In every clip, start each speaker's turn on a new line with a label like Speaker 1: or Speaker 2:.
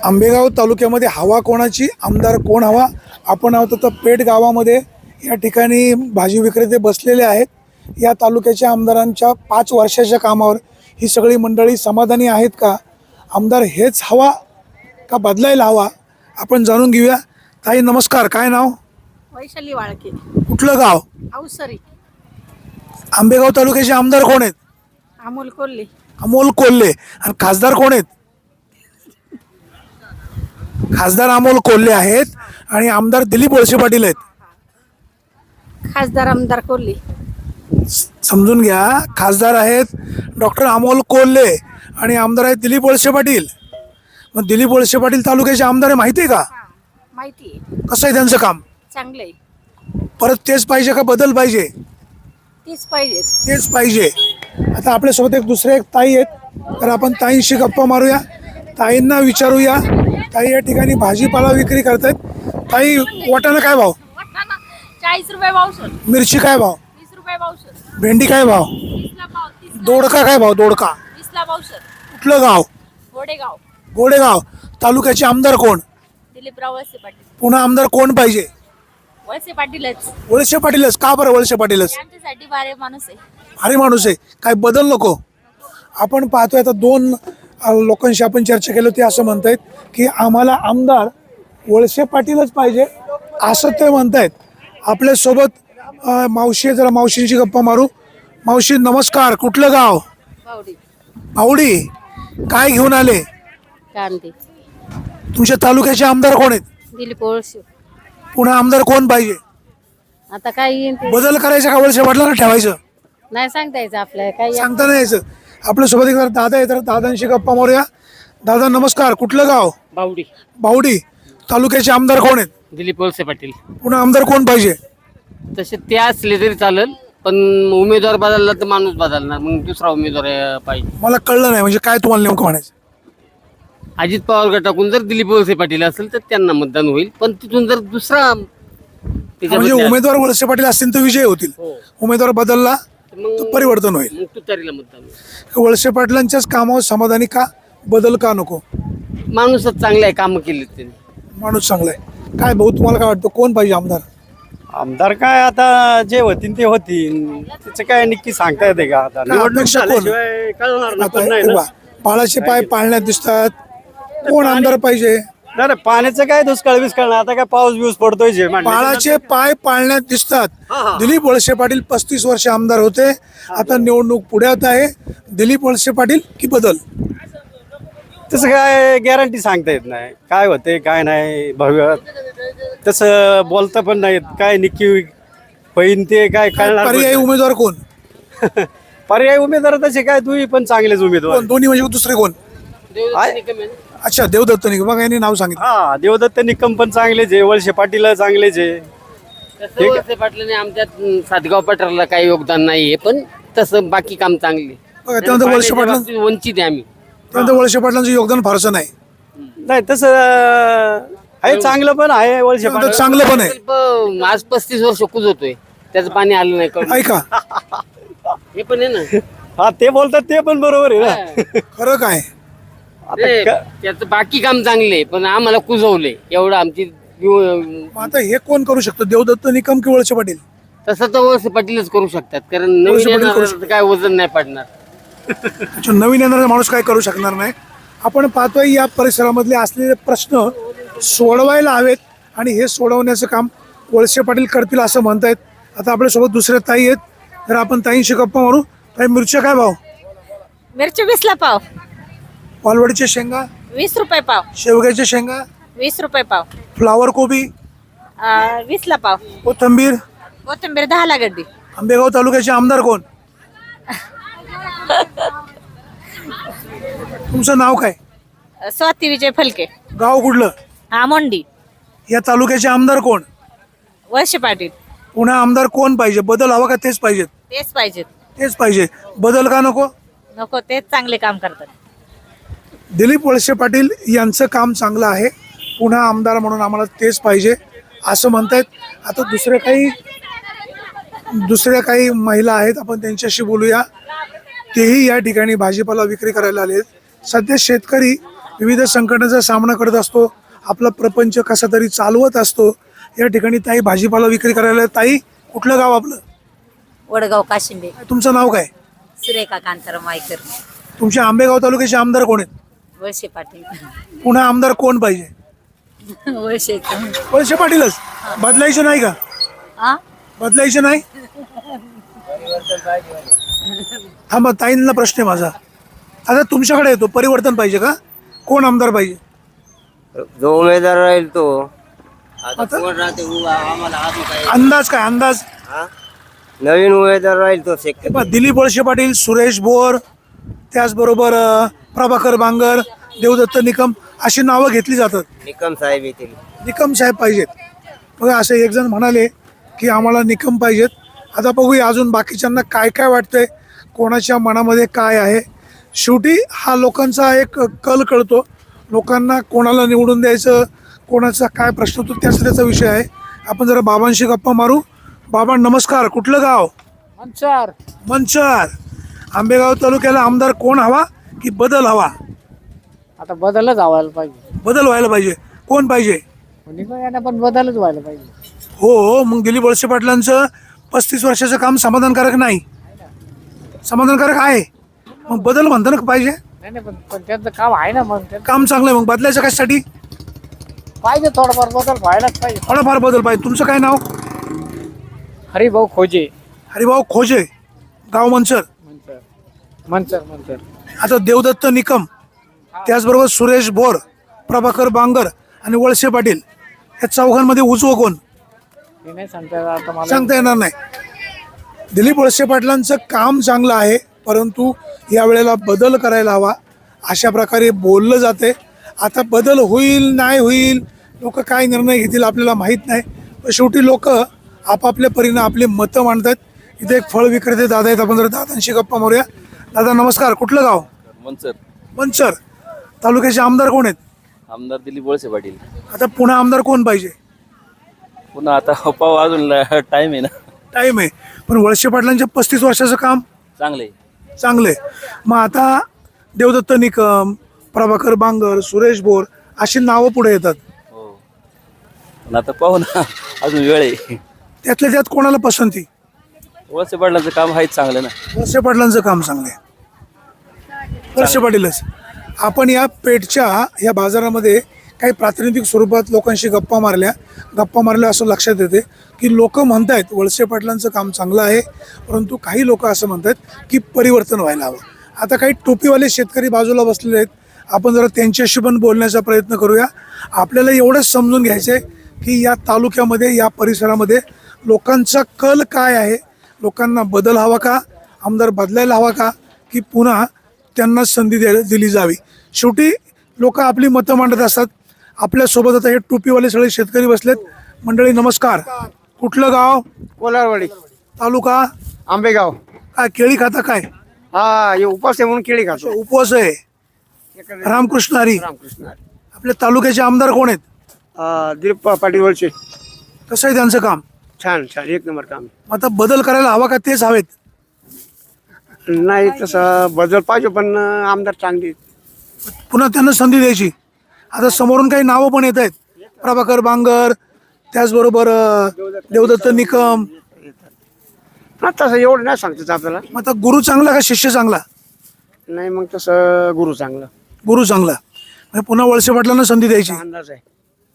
Speaker 1: आंबेगाव तालुक्यामध्ये हवा कोणाची, आमदार कोण हवा? आपण आहोत आता पेठ गावामध्ये. या ठिकाणी भाजी विक्रेते बसलेले आहेत. या तालुक्याच्या आमदारांच्या 5 वर्षाच्या कामावर ही सगळी मंडळी समाधानी आहेत का? आमदार हेच हवा का बदलायला हवा? आपण जाणून घेऊया. ताई नमस्कार, काय नाव?
Speaker 2: वैशाली वाळके,
Speaker 1: कुठलं गाव?
Speaker 2: अवसरी.
Speaker 1: आंबेगाव तालुक्याचे आमदार कोण आहेत?
Speaker 2: अमोल कोल्हे.
Speaker 1: अमोल कोल्हे. आणि खासदार कोण आहेत? खासदार अमोल कोल्हे आहेत आणि आमदार दिलीप वळसे पाटील आहेत.
Speaker 2: खासदार आमदार कोल्हे.
Speaker 1: समजून घ्या, खासदार आहेत डॉक्टर अमोल कोल्हे आणि आमदार आहेत दिलीप वळसे पाटील. मग दिलीप वळसे पाटील तालुक्याचे आमदार आहे, माहिती आहे का?
Speaker 2: माहिती आहे.
Speaker 1: कसं आहे त्यांचं काम?
Speaker 2: चांगलं आहे.
Speaker 1: परत तेच पाहिजे का बदल पाहिजे?
Speaker 2: तीच पाहिजे.
Speaker 1: तेच पाहिजे. आता आपल्यासोबत दुसरे एक ताई आहेत, तर आपण ताईंशी गप्पा मारूया, ताईंना विचारूया. ताई या ठिकाणी भाजीपाला विक्री करतायत. ताई, वाटाणा काय भाव?
Speaker 2: 40 रुपये पावशेर.
Speaker 1: मिरची काय भाव?
Speaker 2: 20 रुपये पावशेर.
Speaker 1: भेंडी काय भाव?
Speaker 2: 20ला पाव. 30ला
Speaker 1: दोडका काय भाव? दोडका
Speaker 2: 20ला पावशेर.
Speaker 1: कुठलं गाव?
Speaker 2: गोडेगाव.
Speaker 1: गोडेगाव. तालुक्याचे आमदार कोण?
Speaker 2: दिलीपराव वळसे पाटील.
Speaker 1: पुन्हा आमदार कोण पाहिजे?
Speaker 2: वळसे पाटीलच.
Speaker 1: वळसे पाटीलच. का बरं वळसे पाटीलच?
Speaker 2: आमच्यासाठी बारे माणूस आहे.
Speaker 1: भारी माणूस आहे. काय बदल नको? आपण पाहतोय आता 2 लोकांशी आपण चर्चा केली, ते असं म्हणतायत की आम्हाला आमदार वळसे पाटीलच पाहिजे असं ते म्हणतायत. आपल्यासोबत मावशी आहे, जरा मावशींची गप्पा मारू. मावशी नमस्कार, कुठलं गाव?
Speaker 2: बावडी.
Speaker 1: आवडी. काय घेऊन आले?
Speaker 2: कांदे.
Speaker 1: तुमच्या तालुक्याचे आमदार कोण आहेत?
Speaker 2: दिलीप वळसे.
Speaker 1: पुन्हा आमदार कोण पाहिजे?
Speaker 2: आता काय येईन ते
Speaker 1: बदल करायचा का वळसे पाटलांना ठेवायचं?
Speaker 2: नाही सांगता यायचं आपल्याला. काय
Speaker 1: सांगता नाही यायचं. आपल्यासोबत एक दादा आहे, तर दादांशी गप्पा मारूया. दादा नमस्कार, कुठलं गाव?
Speaker 3: बावडी.
Speaker 1: बावडी. तालुक्याचे आमदार कोण आहेत?
Speaker 3: दिलीप वळसे पाटील.
Speaker 1: पुन्हा आमदार कोण पाहिजे?
Speaker 3: तसे ते असले तरी चालेल, पण उमेदवार बदलला तर माणूस बदलणार, मग दुसरा उमेदवार पाहिजे.
Speaker 1: मला कळलं नाही, म्हणजे काय तुम्हाला नेमकं म्हणायचं?
Speaker 3: अजित पवार गटाकडून जर दिलीप वळसे पाटील असेल तर त्यांना मतदान होईल, पण तिथून जर दुसरा
Speaker 1: म्हणजे उमेदवार वळसे पाटील असतील तर विजय होतील, उमेदवार बदलला तर परिवर्तन होईल.
Speaker 3: मग तुतारीला मतदान होईल.
Speaker 1: वळसे पाटलांच्याच कामावर समाधानी का? बदल का नको?
Speaker 3: माणूसच चांगला आहे, कामं केली त्यांनी.
Speaker 1: माणूस चांगला आहे. काय भाऊ, तुम्हाला काय वाटतं कोण पाहिजे आमदार?
Speaker 4: आमदार काय आता जे होतील ते होतील, त्याचं काय नक्की सांगता येते का? आता निवडणूक
Speaker 1: अपेक्षा कोण?
Speaker 4: झाल्याशिवाय कळणार ना, पण नाही
Speaker 1: आता
Speaker 4: ना.
Speaker 1: बाळाचे पाय पाळण्यात दिसतात. कोण आमदार पाहिजे?
Speaker 4: नाही पाण्याचं काय दुष्काळ बिस्काळ नाही, आता काय पाऊस बिऊस पडतोय जे म्हणलं.
Speaker 1: बाळाचे पाय पाळण्यात दिसतात. दिलीप वळसे पाटील 35 वर्ष आमदार होते, आता निवडणूक पुढ्यात आहे. दिलीप वळसे पाटील की बदल?
Speaker 4: तसं काय गॅरंटी सांगता येत नाही, काय होते काय नाही. भव्य तसं बोलता पण नाहीत, काय नक्की होईन ते काय कळणार पण
Speaker 1: पर्यायी
Speaker 4: नाही.
Speaker 1: उमेदवार कोण?
Speaker 4: पर्यायी उमेदवार तसे काय तुम्ही पण चांगलेच उमेदवार.
Speaker 1: दोन्ही म्हणजे दुसरे कोण? अच्छा, देवदत्त निकम. बघा, यांनी नाव सांगितलं.
Speaker 4: हा, देवदत्त निकम पण चांगलेच आहे, वळसे पाटील चांगलेच आहे.
Speaker 3: तसं वळसे पाटलाने आमच्यात सातगाव पठाराला काही योगदान नाहीये, पण तसं बाकी काम चांगले.
Speaker 1: बघा, त्यानंतर वळसे पाटलां
Speaker 3: वंचित आहे आम्ही.
Speaker 1: त्यानंतर वळसे पाटलांचं योगदान फारसं नाही.
Speaker 4: नाही तसं आहे, चांगलं पण आहे वळसे
Speaker 1: त्यानंतर
Speaker 4: पाटील.
Speaker 1: चांगलं पण आहे.
Speaker 3: पण आज 35 वर्ष कुजवतोय, त्याचं पाणी आलं नाही कळलं.
Speaker 1: ऐका,
Speaker 3: हे पण आहे ना.
Speaker 4: हा, ते बोलतात ते पण बरोबर आहे ना.
Speaker 1: खरं काय?
Speaker 3: ते त्याचं बाकी काम चांगले, पण आम्हाला कुजवले एवढं आमची.
Speaker 1: मग आता हे कोण करू शकतं, देवदत्त निकम की वळसे पाटील?
Speaker 3: तसं तर वळसे पाटीलच करू शकतात, कारण
Speaker 1: वळसे
Speaker 3: नवीन
Speaker 1: पाटील करू
Speaker 3: येणाऱ्याला तर काय वजन नाही पडणार.
Speaker 1: अच्छा, नवीन येणारा माणूस काय करू शकणार नाही. आपण पाहतोय या परिसरामधले असलेले प्रश्न सोडवायला हवेत, आणि हे सोडवण्याचं काम वळसे पाटील करतील असं म्हणतायत. आता आपल्यासोबत दुसऱ्या ताई आहेत, तर आपण ताईंशी गप्पा मारू. ताई, मिरच्या काय भाव?
Speaker 2: मिरची 20ला पाव.
Speaker 1: वालवडीच्या शेंगा?
Speaker 2: 20 रुपये पाव.
Speaker 1: शेवग्याच्या शेंगा?
Speaker 2: 20 रुपये पाव.
Speaker 1: फ्लावर कोबी?
Speaker 2: 20ला पाव.
Speaker 1: कोथिंबीर?
Speaker 2: कोथिंबीर 10ला गड्डी.
Speaker 1: आंबेगाव तालुक्याचे आमदार कोण? तुमचं नाव काय?
Speaker 2: स्वाती विजय फलके.
Speaker 1: गाव कुठलं?
Speaker 2: आमोंडी.
Speaker 1: या तालुक्याचे आमदार कोण?
Speaker 2: वळसे पाटील.
Speaker 1: पुन्हा आमदार कोण पाहिजे? बदल हवा का तेच पाहिजेत?
Speaker 2: तेच पाहिजेत.
Speaker 1: तेच पाहिजे. बदल का नको?
Speaker 2: नको, तेच चांगले काम करतात.
Speaker 1: दिलीप वळसे पाटील यांचं काम चांगलं आहे, पुन्हा आमदार म्हणून आम्हाला तेच पाहिजे असं म्हणतायत. आता दुसऱ्या काही महिला आहेत, आपण त्यांच्याशी बोलूया. तेही या ठिकाणी भाजीपाला विक्री करायला आले आहेत. सध्या शेतकरी विविध संकटाचा सामना करत असतो, आपला प्रपंच कसा तरी चालवत असतो. या ठिकाणी ताई भाजीपाला विक्री करायला. ताई, कुठलं गाव आपलं?
Speaker 5: वडगाव काशिंबे.
Speaker 1: तुमचं नाव काय?
Speaker 5: सुरेखा कांताराम वायकर.
Speaker 1: तुमच्या आंबेगाव तालुक्याचे आमदार कोण आहेत?
Speaker 5: वळसे पाटील.
Speaker 1: पुन्हा आमदार कोण पाहिजे?
Speaker 5: वळसेच.
Speaker 1: वळसे पाटीलच. बदलायचे नाही का?
Speaker 5: हा,
Speaker 1: बदलायचे नाही? थांबा, ताईंना प्रश्न आहे माझा. आता तुमच्याकडे येतो, परिवर्तन पाहिजे का? कोण आमदार पाहिजे?
Speaker 3: जो उमेदवार राहील तो.
Speaker 1: आता
Speaker 3: कोण राहते आम्हाला अजून काय
Speaker 1: अंदाज काय? अंदाज
Speaker 3: नवीन उमेदवार राहील तो
Speaker 1: हे पहा, दिलीप वळसे पाटील, सुरेश भोर, त्याचबरोबर प्रभाकर बांगर, देवदत्त निकम अशी नावं घेतली जातात.
Speaker 3: निकम साहेब येतील.
Speaker 1: निकम साहेब पाहिजेत. बघा, असे एक जण म्हणाले की आम्हाला निकम पाहिजेत. आता बघूया अजून बाकीच्यांना काय काय वाटतंय, कोणाच्या मनामध्ये काय आहे. शेवटी हा लोकांचा एक कल कळतो. लोकांना कोणाला निवडून द्यायचं, कोणाचा काय प्रश्न होतो त्याचा विषय आहे. आपण जरा बाबांशी गप्पा मारू. बाबा नमस्कार. कुठलं गाव? मंचर. आंबेगाव तालुक्याला आमदार कोण हवा की बदल हवा?
Speaker 6: आता बदलच व्हायला पाहिजे.
Speaker 1: बदल व्हायला पाहिजे. कोण पाहिजे?
Speaker 6: पण बदलच व्हायला पाहिजे.
Speaker 1: हो, मग दिलीप वळसे पाटलांचं 35 वर्षाचं काम समाधानकारक नाही. समाधानकारक आहे, मग बदल म्हणता ना पाहिजे.
Speaker 6: नाही पण त्यांचं काम आहे ना, मग
Speaker 1: काम चांगलं आहे, मग बदलायचं कशासाठी?
Speaker 6: पाहिजे थोडंफार बदल व्हायलाच पाहिजे.
Speaker 1: थोडाफार बदल पाहिजे. तुमचं काय नाव?
Speaker 6: हरिभाऊ खोजे.
Speaker 1: हरिभाऊ खोजे, गाव मंचर.
Speaker 6: मंचर.
Speaker 1: आता देवदत्त निकम, त्याचबरोबर सुरेश भोर, प्रभाकर बांगर आणि वळसे पाटील, या चौघांमध्ये उजवं कोण?
Speaker 6: हे नाही सांगता येणार आता मला.
Speaker 1: सांगता येणार नाही. दिलीप वळसे पाटलांचं काम चांगलं आहे, परंतु यावेळेला बदल करायला हवा अशा प्रकारे बोललं जाते. आता बदल होईल नाही होईल, लोक काय निर्णय घेतील आपल्याला माहीत नाही. पण शेवटी लोक आपापल्या परीनं आपले मतं मांडतात. इथे एक फळ विक्रेते दादा आहेत, आपण जर दादांशी गप्पा मारूया. दादा नमस्कार. कुठलं गाव? मंचर. तालुक्याचे आमदार कोण आहेत?
Speaker 7: आमदार दिलीप वळसे पाटील.
Speaker 1: आता पुन्हा आमदार कोण पाहिजे?
Speaker 7: पुन्हा आता पाहू, अजून टाइम आहे ना.
Speaker 1: टाईम आहे, पण वळसे पाटलांच्या 35 वर्षाचं काम
Speaker 7: चांगले.
Speaker 1: चांगले. मग आता देवदत्त निकम, प्रभाकर बांगर, सुरेश भोर अशी नावं पुढे येतात.
Speaker 7: हो, पण आता पाहू ना, अजून वेळ आहे.
Speaker 1: त्यातल्या त्यात कोणाला पसंती?
Speaker 7: वळसे पाटलांचं काम आहेच चांगलं ना.
Speaker 1: वळसे पाटलांचं काम चांगलं आहे. वळसे पाटीलच. आपण या पेठच्या या बाजारामध्ये काही प्रातिनिधिक स्वरूपात लोकांशी गप्पा मारल्या असं लक्षात येते की लोक म्हणतायत वळसे पाटलांचं काम चांगलं आहे, परंतु काही लोक असं म्हणतात की परिवर्तन व्हायला हवं. आता काही टोपीवाले शेतकरी बाजूला बसलेले आहेत, आपण जरा त्यांच्याशी पण बोलण्याचा प्रयत्न करूया. आपल्याला एवढंच समजून घ्यायचं आहे की या तालुक्यामध्ये, या परिसरामध्ये लोकांचा कल काय आहे. लोकांना बदल हवा का, आमदार बदलायला हवा का, की पुन्हा त्यांना संधी दिली जावी. शेवटी लोक आपली मतं मांडत असतात. आपल्यासोबत आता हे टोपीवाले सगळे शेतकरी बसलेत. मंडळी नमस्कार. कुठलं गाव?
Speaker 4: कोलारवाडी.
Speaker 1: तालुका?
Speaker 4: आंबेगाव.
Speaker 1: काय केळी खाता काय?
Speaker 4: हा, हे उपास आहे म्हणून केळी खातो.
Speaker 1: उपवास आहे. रामकृष्ण हरी.
Speaker 4: रामकृष्ण.
Speaker 1: आपल्या तालुक्याचे आमदार कोण आहेत?
Speaker 4: दिलीप पाटील वळसे.
Speaker 1: कसं आहे त्यांचं काम?
Speaker 4: छान, एक नंबर काम.
Speaker 1: आता बदल करायला हवा का तेच हवेत?
Speaker 4: नाही, तसं बदल पाहिजे, पण आमदार चांगली.
Speaker 1: पुन्हा त्यांना संधी द्यायची. आता समोरून काही नावं पण येत आहेत, प्रभाकर बांगर, त्याचबरोबर देवदत्त निकम.
Speaker 4: तसं एवढं नाही सांगतात आपल्याला.
Speaker 1: मग आता गुरु चांगला का शिष्य चांगला?
Speaker 4: नाही, मग तसं गुरु चांगलं.
Speaker 1: गुरु चांगला. म्हणजे पुन्हा वळसे पाटलांना संधी द्यायची,
Speaker 4: अंदाज आहे.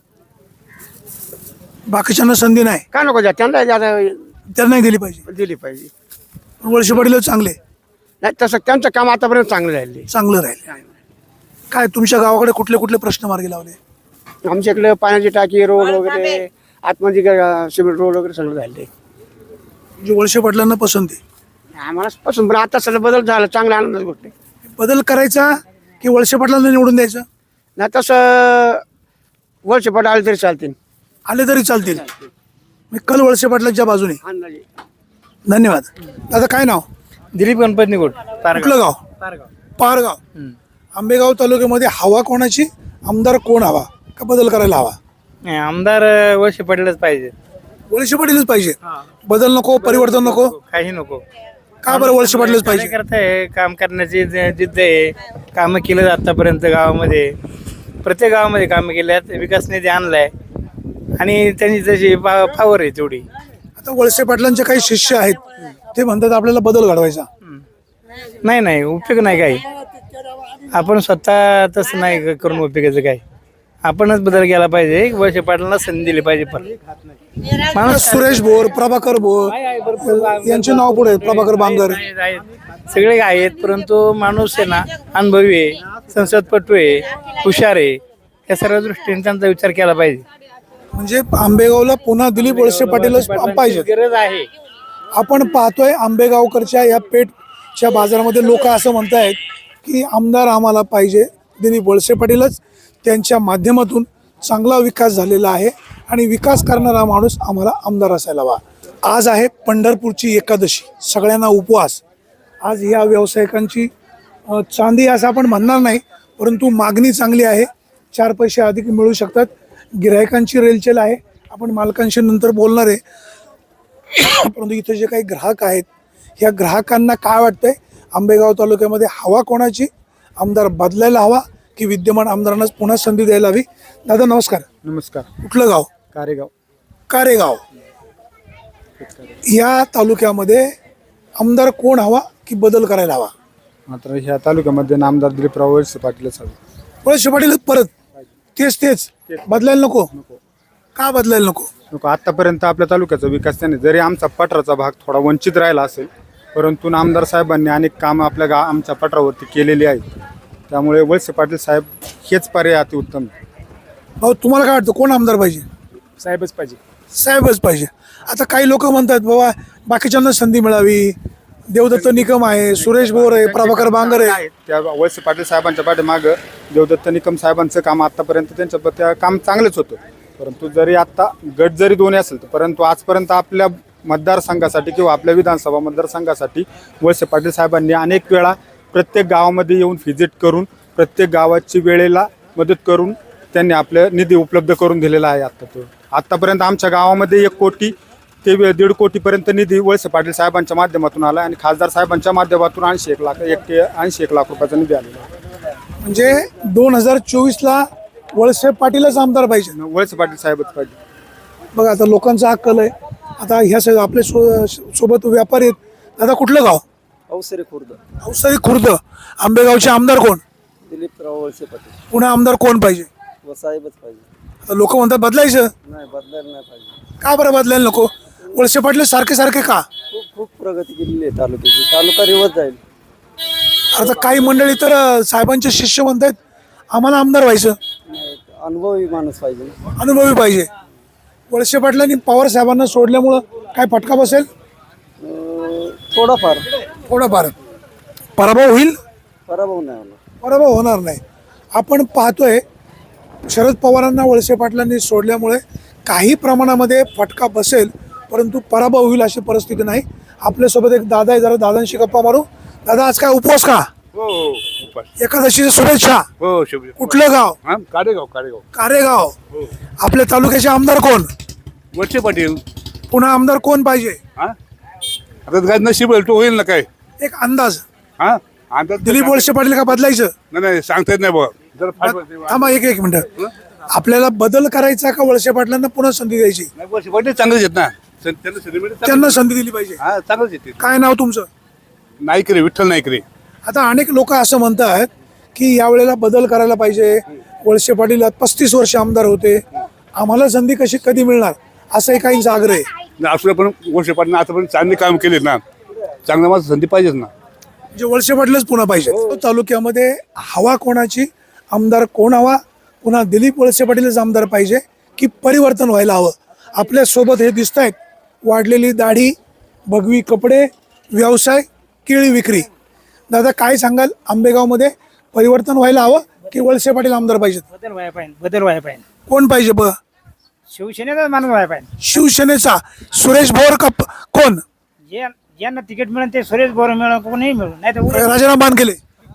Speaker 1: बाकीच्यांना संधी नाही.
Speaker 4: काय नको द्या त्यांना,
Speaker 1: त्यांना नाही दिली पाहिजे.
Speaker 4: दिली पाहिजे.
Speaker 1: पण वळसे पाटील चांगले.
Speaker 4: नाही, तसं त्यांचं काम आतापर्यंत चांगलं राहिले.
Speaker 1: चांगलं राहिले. काय तुमच्या गावाकडे कुठले कुठले प्रश्न मार्गी लावले?
Speaker 4: आमच्या इकडे पाण्याची टाकी, रोड वगैरे, आतमध्ये सिमेंट रोड वगैरे सगळं राहिले.
Speaker 1: म्हणजे वळसे पाटलांना पसंती.
Speaker 4: आम्हाला पसंत, पण आता सगळं बदल झाला, चांगला आनंदाची गोष्ट आहे.
Speaker 1: बदल करायचा की वळसे पाटलांना निवडून द्यायचं?
Speaker 4: नाही, तसं वळसे पाटील आले तरी चालतील.
Speaker 1: आले तरी चालतील. मी कल वळसे पाटलांच्या बाजूने.
Speaker 4: अंदाजे.
Speaker 1: धन्यवाद. दादा काय नाव?
Speaker 6: दिलीप गणपती निकोट.
Speaker 1: कुठलं गाव? पारगाव. आंबेगाव तालुक्यामध्ये हवा कोणाची, आमदार कोण हवा का बदल करायला हवा?
Speaker 6: आमदार वळसे पाटीलच पाहिजे.
Speaker 1: वळसे पाटीलच पाहिजे. बदल नको, परिवर्तन नको.
Speaker 6: काही नको.
Speaker 1: का बरं वळसे पाटीलच पाहिजे?
Speaker 6: कार्यकर्ता आहे, काम करण्याची जिद्द आहे. कामं केलं आतापर्यंत गावामध्ये, प्रत्येक गावामध्ये कामं केल्यात, विकास निधी आणलाय आणि त्यांनी जशी पावर आहे तेवढी.
Speaker 1: आता वळसे पाटलांचे काही शिष्य आहेत ते म्हणतात आपल्याला बदल घडवायचा.
Speaker 6: नाही उपयोग नाही काही. आपण स्वतः तसं नाही करून उपयोगाचं काय. आपणच बदल केला पाहिजे. वळसे पाटलांना संधी दिली पाहिजे. पण
Speaker 1: सुरेश भोर, प्रभाकर भोर यांचे नाव पुढे आहेत, प्रभाकर बांगर.
Speaker 6: आहेत सगळे आहेत, परंतु माणूस आहे ना अनुभवी आहे, संसदपटू आहे, हुशार आहे. या सर्व दृष्टीने त्यांचा विचार केला पाहिजे.
Speaker 1: म्हणजे आंबेगावला पुन्हा दिलीप वळसे पाटीलच पाहिजे.
Speaker 6: गरज आहे.
Speaker 1: आपण पाहतोय आंबेगावकरच्या या पेठच्या बाजारामध्ये लोक असं म्हणतायत की आमदार आम्हाला पाहिजे दिलीप वळसे पाटीलच. त्यांच्या माध्यमातून चांगला विकास झालेला आहे आणि विकास करणारा माणूस आम्हाला आमदार असायला हवा. आज आहे पंढरपूरची एकादशी, सगळ्यांना उपवास. आज या व्यावसायिकांची चांदी असं आपण म्हणणार नाही, परंतु मागणी चांगली आहे. 4 पैसे अधिक मिळू शकतात. गिरायकांची रेलचेल आहे. आपण मालकांशी नंतर बोलणार आहे. परंतु इथे जे काही ग्राहक आहेत, ह्या ग्राहकांना काय वाटतंय आंबेगाव तालुक्यामध्ये हवा कोणाची? आमदार बदलायला हवा की विद्यमान आमदारांनाच पुन्हा संधी द्यायला हवी? दादा नमस्कार.
Speaker 6: नमस्कार.
Speaker 1: कुठलं गाव?
Speaker 6: कारेगाव.
Speaker 1: कारेगाव. या तालुक्यामध्ये आमदार कोण हवा की बदल करायला हवा?
Speaker 8: मात्र ह्या तालुक्यामध्ये आमदार दिलीपराव वळसे पाटीलच हवे.
Speaker 1: वळसे पाटील परत तेच बदलायला नको? का बदलायला नको?
Speaker 8: आतापर्यंत आपल्या तालुक्याचा विकास त्याने, जरी आमचा पठाराचा भाग थोडा वंचित राहिला असेल, परंतु आमदार साहेबांनी अनेक कामं आपल्या आमच्या पठारावरती केलेली आहेत. त्यामुळे वळसे पाटील साहेब हेच पर्याय अतिउत्तम.
Speaker 1: भाऊ तुम्हाला काय वाटतं कोण आमदार पाहिजे?
Speaker 6: साहेबच पाहिजे.
Speaker 1: साहेबच पाहिजे. आता काही लोक म्हणतात बाबा बाकीच्यांना संधी मिळावी. देवदत्त निकम आहे, सुरेश भोर आहे, प्रभाकर बांगर आहे.
Speaker 8: त्या वळसे पाटील साहेबांच्या पाठीमागं देवदत्त निकम साहेबांचं काम आतापर्यंत त्या काम चांगलंच होतं. परंतु जरी आता गट जरी दोन्ही असेल तर, परंतु आजपर्यंत आपल्या मतदारसंघासाठी किंवा आपल्या विधानसभा मतदारसंघासाठी वळसे पाटील साहेबांनी अनेक वेळा प्रत्येक गावामध्ये येऊन व्हिजिट करून प्रत्येक गावाची वेळेला मदत करून त्यांनी आपलं निधी उपलब्ध करून दिलेला आहे. आत्तापर्यंत आमच्या गावामध्ये 1 कोटी ते 1.5 कोटीपर्यंत निधी वळसे पाटील साहेबांच्या माध्यमातून आला आणि खासदार साहेबांच्या माध्यमातून 81 लाख रुपयाचा निधी आलेला आहे.
Speaker 1: म्हणजे 2024ला वळसे पाटीलच आमदार पाहिजे.
Speaker 8: वळसे पाटील साहेबच पाहिजे.
Speaker 1: बघा आता लोकांचा हा कल आहे. आता ह्या सगळं आपल्या सोबत व्यापारी आहेत. दादा कुठलं गाव?
Speaker 7: अवसरे खुर्द.
Speaker 1: अवसरी खुर्द. आंबेगावचे आमदार कोण?
Speaker 7: दिलीपराव वळसे पाटील.
Speaker 1: पुन्हा आमदार कोण पाहिजे?
Speaker 7: व साहेबच पाहिजे.
Speaker 1: आता लोक म्हणतात बदलायचं.
Speaker 7: नाही बदलायला नाही पाहिजे.
Speaker 1: का बरं बदलायला नको? वळसे पाटील सारखे का?
Speaker 7: खूप प्रगती केलेली आहे तालुक्याची. तालुका रिवर्स जाईल.
Speaker 1: आता काही मंडळी तर साहेबांचे शिष्य म्हणतात आम्हाला आमदार व्हायचं.
Speaker 7: अनुभवी माणूस पाहिजे.
Speaker 1: अनुभवी पाहिजे. वळसे पाटलांनी पवार साहेबांना सोडल्यामुळं काय फटका बसेल?
Speaker 7: थोडाफार
Speaker 1: पराभव होईल?
Speaker 7: पराभव नाही होणार.
Speaker 1: पराभव होणार नाही. आपण पाहतोय शरद पवारांना वळसे पाटलांनी सोडल्यामुळे काही प्रमाणामध्ये फटका बसेल, परंतु पराभव होईल अशी परिस्थिती नाही. आपल्यासोबत एक दादा आहे, जरा दादांशी गप्पा मारू. दादा आज काय उपवास का?
Speaker 9: हो.
Speaker 1: एकादशीच्या शुभेच्छा.
Speaker 9: हो शुभ.
Speaker 1: कुठलं गाव?
Speaker 9: कारेगाव.
Speaker 1: कारेगाव. आपल्या तालुक्याचे आमदार कोण?
Speaker 9: वळसे पाटील.
Speaker 1: पुन्हा आमदार कोण पाहिजे?
Speaker 9: आता काय नशीब तो होईल ना काय.
Speaker 1: एक अंदाज.
Speaker 9: अंदाज
Speaker 1: दिलीप वळसे पाटील का बदलायचं?
Speaker 9: नाही सांगता येत नाही बघा.
Speaker 1: थांबा एक मिनिट. आपल्याला बदल करायचा का वळसे पाटलांना पुन्हा संधी द्यायची?
Speaker 9: वळसे पाटील चांगलेच आहेत ना.
Speaker 1: त्यांना संधी दिली पाहिजे.
Speaker 9: चांगलंच येते.
Speaker 1: काय नाव तुमचं?
Speaker 9: नाईकरे, विठ्ठल नाईकरे.
Speaker 1: आता अनेक लोक असं म्हणतात की यावेळेला बदल करायला पाहिजे. वळसे पाटील 35 वर्ष आमदार होते, आम्हाला संधी कधी मिळणार असंही काहींचा आग्रह आहे.
Speaker 9: असं पण वळसे पाटील आतापर्यंत चांगले काम केले ना. चांगल्या माझं संधी पाहिजेच ना.
Speaker 1: म्हणजे वळसे पाटीलच पुन्हा पाहिजे. तालुक्यामध्ये हवा कोणाची? आमदार कोण हवा? पुन्हा दिलीप वळसे पाटीलच आमदार पाहिजे की परिवर्तन व्हायला हवं? आपल्या सोबत हे दिसत आहेत, वाढलेली दाढी, भगवी कपडे, व्यवसाय, केळी विक्री. दादा काय सांगाल, आंबेगावमध्ये परिवर्तन व्हायला हवं की वळसे पाटील आमदार पाहिजेत?
Speaker 6: बदल व्हायला पाहिजे.
Speaker 1: कोण पाहिजे?
Speaker 6: शिवसेनेचा माणूस व्हायला पाहिजे.
Speaker 1: शिवसेनेचा सुरेश भोर का कोण?
Speaker 6: ज्यांना तिकीट मिळेल ते सुरेश भोर मिळेल, कोणी मिळेल नाही तर
Speaker 1: राजीनामा केले.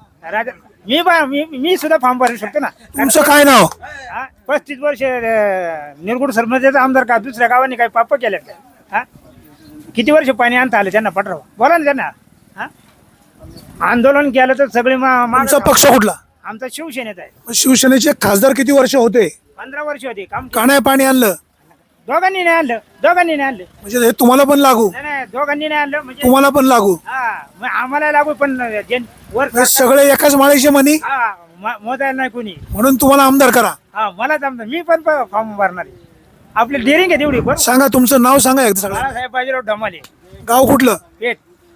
Speaker 6: मी सुद्धा फॉर्म भरू शकतो ना.
Speaker 1: तुमचं काय नाव?
Speaker 6: 35 वर्ष निरगुड सरपंचाचा आमदार का दुसऱ्या गावाने काही पाप केले का? किती वर्ष पाणी आणता आले त्यांना पटराव? बोला ना त्यांना. आंदोलन केलं तर सगळे
Speaker 1: तुमचा पक्ष कुठला?
Speaker 6: आमचा शिवसेनेत आहे.
Speaker 1: मग शिवसेनेचे खासदार किती वर्ष होते?
Speaker 6: 15 वर्ष होती काम.
Speaker 1: काण्या पाणी आणलं
Speaker 6: दोघांनी नाही आणलं.
Speaker 1: म्हणजे हे तुम्हाला पण लागू,
Speaker 6: नाही दोघांनी नाही आणलं म्हणजे
Speaker 1: तुम्हाला पण लागू.
Speaker 6: मग आम्हाला लागू पण वर
Speaker 1: हे सगळे एकाच माळीचे म्हणी,
Speaker 6: मोदायला नाही कोणी,
Speaker 1: म्हणून तुम्हाला आमदार करा.
Speaker 6: मला जमतं. मी पण फॉर्म भरणार आहे. आपली डेअरिंग आहे तेवढी. पण
Speaker 1: सांगा तुमचं नाव सांगा एकदा सगळं.
Speaker 6: बाळासाहेब बाजीराव ढमाले,
Speaker 1: गाव कुठलं?
Speaker 6: पेठ.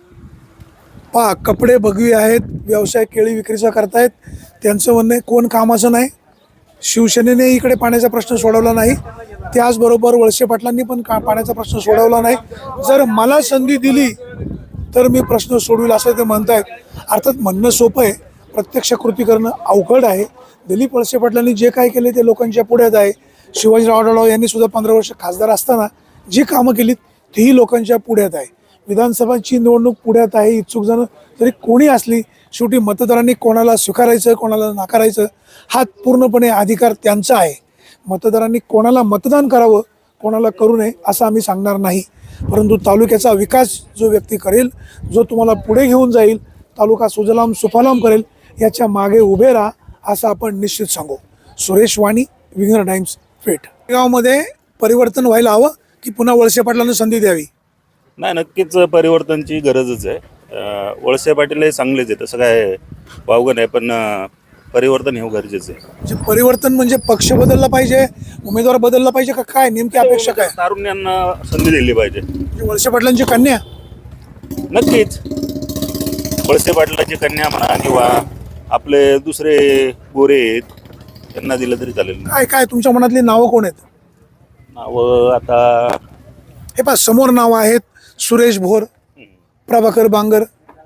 Speaker 1: पहा, कपडे भगवी आहेत, व्यवसाय केळी विक्रीचा करतायत. त्यांचं म्हणणं आहे कोण कामाचं नाही. शिवसेनेने इकडे पाण्याचा प्रश्न सोडवला नाही, त्याचबरोबर वळसे पाटलांनी पण पाण्याचा प्रश्न सोडवला नाही. जर मला संधी दिली तर मी प्रश्न सोडविल असं ते म्हणतायत. अर्थात म्हणणं सोपं आहे, प्रत्यक्ष कृती करणं अवघड आहे. दिलीप वळसे पाटलांनी जे काय केले ते लोकांच्या पुढ्यात आहे. शिवाजीराव आढळराव यांनी सुद्धा 15 वर्ष खासदार असताना जी कामं केलीत तीही लोकांच्या पुढ्यात आहे. विधानसभाची निवडणूक पुढ्यात आहे. इच्छुक जण जरी कोणी असली, शेवटी मतदारांनी कोणाला स्वीकारायचं कोणाला नाकारायचं हा पूर्णपणे अधिकार त्यांचा आहे. मतदारांनी कोणाला मतदान करावं कोणाला करू नये असं आम्ही सांगणार नाही. परंतु तालुक्याचा विकास जो व्यक्ती करेल, जो तुम्हाला पुढे घेऊन जाईल, तालुका सुजलाम सुफलाम करेल, याच्या मागे उभे राहा असं आपण निश्चित सांगू. Suresh Wani, Winger Times, Peth. गावामध्ये परिवर्तन व्हायला हवं की पुन्हा वळसे पाटलांना संधी द्यावी?
Speaker 10: नाही, नक्कीच परिवर्तनची गरजच आहे. वळसे पाटील हे चांगलेच आहे, तसं काय वावगं नाही, पण परिवर्तन हे गरजेचं आहे.
Speaker 1: म्हणजे परिवर्तन म्हणजे पक्ष बदलला पाहिजे, उमेदवार बदलला पाहिजे का काय? नेमकी अपेक्षा काय?
Speaker 10: तारुण्यांना संधी दिली पाहिजे.
Speaker 1: म्हणजे वळसे पाटलांची कन्या?
Speaker 10: नक्कीच वळसे पाटलाची कन्या म्हणा किंवा आपले दुसरे गोरे आहेत त्यांना दिलं तरी चालेल.
Speaker 1: काय काय तुमच्या मनातली नावं कोण आहेत?
Speaker 10: नावं आता
Speaker 1: हे पहा, समोर नावं आहेत. सुरेश भोर, प्रभाकर बांगर,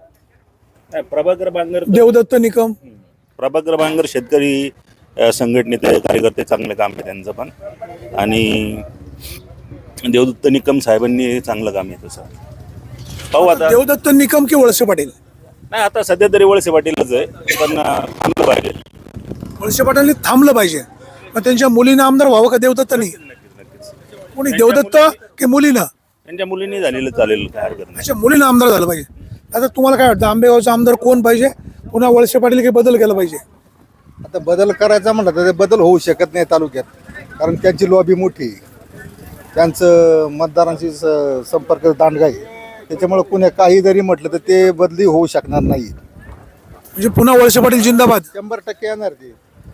Speaker 10: प्रभाकर बांगर,
Speaker 1: देवदत्त निकम.
Speaker 10: प्रभाकर बांगर शेतकरी संघटनेचे कार्यकर्ते, चांगलं काम आहे त्यांचं पण. आणि देवदत्त निकम साहेबांनी चांगलं काम आहे. तसं पाहू आता.
Speaker 1: देवदत्त निकम की वळसे पाटील?
Speaker 10: नाही, आता सध्या तरी वळसे पाटीलच आहे, पण थांबलं पाहिजे.
Speaker 1: वळसे पाटलांनी थांबलं पाहिजे. मग त्यांच्या मुलीनं आमदार व्हावं का देवदत्तनी? कोणी, देवदत्त की मुलीनं?
Speaker 10: त्यांच्या मुलींनी झालेलं चालेल, काय हरकत नाही.
Speaker 1: अच्छा, मुलीनं आमदार झालं पाहिजे. आता तुम्हाला काय वाटतं, आंबेगावचा आमदार कोण पाहिजे? पुन्हा वळसे पाटील की बदल केला पाहिजे?
Speaker 11: आता बदल करायचा म्हटलं तर ते बदल होऊ शकत नाही तालुक्यात, कारण त्यांची लॉबी मोठी आहे, त्यांचं मतदारांशी संपर्क दांडगा आहे. त्याच्यामुळे कुणी काही जरी म्हटलं तर ते बदली होऊ शकणार नाही.
Speaker 1: म्हणजे पुन्हा वळसे पाटील जिंदाबाद?
Speaker 11: 100% येणार ते.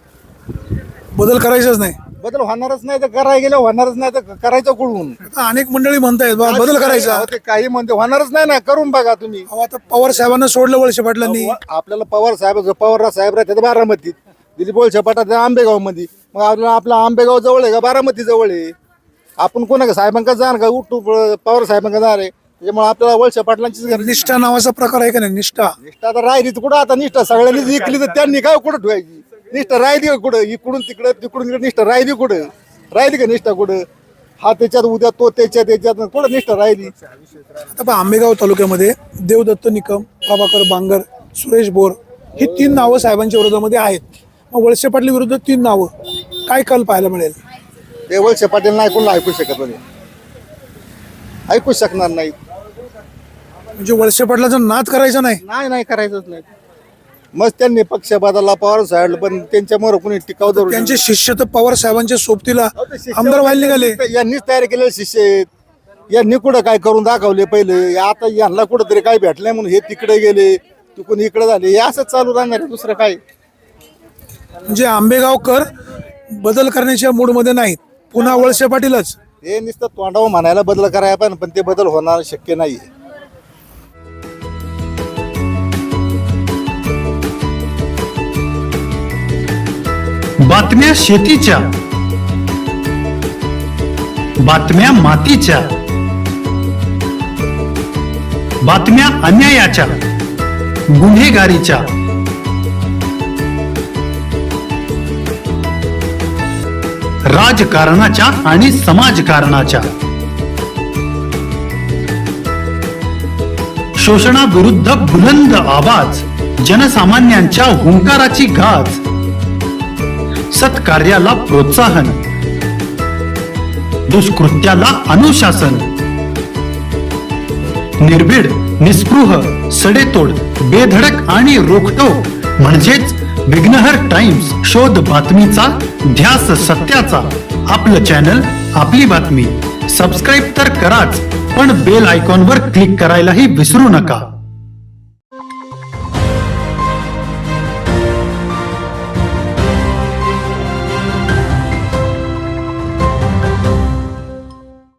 Speaker 1: बदल करायचाच नाही?
Speaker 11: बदल होणारच नाही तर करायला गेलं, होणारच नाही तर करायचं कुठून?
Speaker 1: आता अनेक मंडळी म्हणतायत बा बदल करायचा.
Speaker 11: अहो, ते काही म्हणते होणारच नाही ना, करून बघा तुम्ही.
Speaker 1: अहो, आता पवार साहेबांना सोडलं वळसे पाटलांनी.
Speaker 11: आपल्याला पवार साहेब राहतात बारामतीत, दिलीप वळसे पाटील आंबेगाव मध्ये. मग आपला आंबेगाव जवळ आहे का बारामती जवळ आहे? आपण कोणा साहेबांका जाणार का? उठू पवार साहेबांका जाणार आहे. त्याच्यामुळे आपल्याला वळसे पाटलांचीच गरज.
Speaker 1: निष्ठा नावाचा प्रकार आहे का नाही? निष्ठा
Speaker 11: आता राहिली तर कुठं? आता निष्ठा सगळ्यांनी जिंकली तर त्यांनी काय कुठं ठेवायची? निष्ठा राहिली का कुठं? इकडून तिकडं तिकडून इकडे निष्ठा राहिली कुठं? राहिली का निष्ठा कुठं? हा त्याच्यात उद्या तो त्याच्यात कुठं निष्ठा राहिली?
Speaker 1: आता पहा, आंबेगाव तालुक्यामध्ये देवदत्त निकम, प्रभाकर बांगर, सुरेश बोर ही 3 नावं साहेबांच्या विरोधामध्ये आहेत. मग वळसे पाटील विरुद्ध 3 नावं, काय कल पाहायला मिळेल?
Speaker 11: ते वळसे पाटील नाही कोणाला ऐकू शकत नाही, ऐकू शकणार नाही.
Speaker 1: म्हणजे वळसे पाटलाचा नाद करायचा नाही?
Speaker 11: नाही करायचंच नाही. मग त्यांनी पक्ष बदलला, पवार साहेब, पण त्यांच्यामुळे कोणी टिकाव धरून.
Speaker 1: त्यांचे शिष्य तर पवार साहेबांच्या सोबतीला आमदार व्हायला निघाले.
Speaker 11: यांनीच तयार केलेले शिष्य आहेत. यांनी कुठं काय करून दाखवले पहिले, आता यांना कुठं तरी काय भेटलंय म्हणून हे तिकडे गेले, तिकडून इकडे झाले. हे असंच चालू राहणार आहे, दुसरं काय.
Speaker 1: म्हणजे आंबेगावकर बदल करण्याच्या मूडमध्ये नाहीत, पुन्हा वळसे पाटीलच.
Speaker 11: हे नुसतं तोंडावर म्हणायला बदल करायला पण ते बदल होणार शक्य नाही.
Speaker 12: बातम्या शेतीच्या, बातम्या मातीच्या, बातम्या अन्यायाच्या, गुन्हेगारीच्या, राजकारणाच्या आणि समाजकारणाच्या, शोषणाविरुद्ध बुलंद आवाज, जनसामान्यांच्या हुंकाराची गाज, सत्कार्याला प्रोत्साहन, दुष्कृत्याला अनुशासन, निर्भीड निस्पृह, सडेतोड, बेधडक आणि रोखटोक म्हणजेच विघ्नहर टाइम्स. शोध बातमीचा, ध्यास सत्याचा. आपलं चॅनल, आपली बातमी. सबस्क्राईब तर कराच, पण बेल आयकॉनवर क्लिक करायलाही विसरू नका.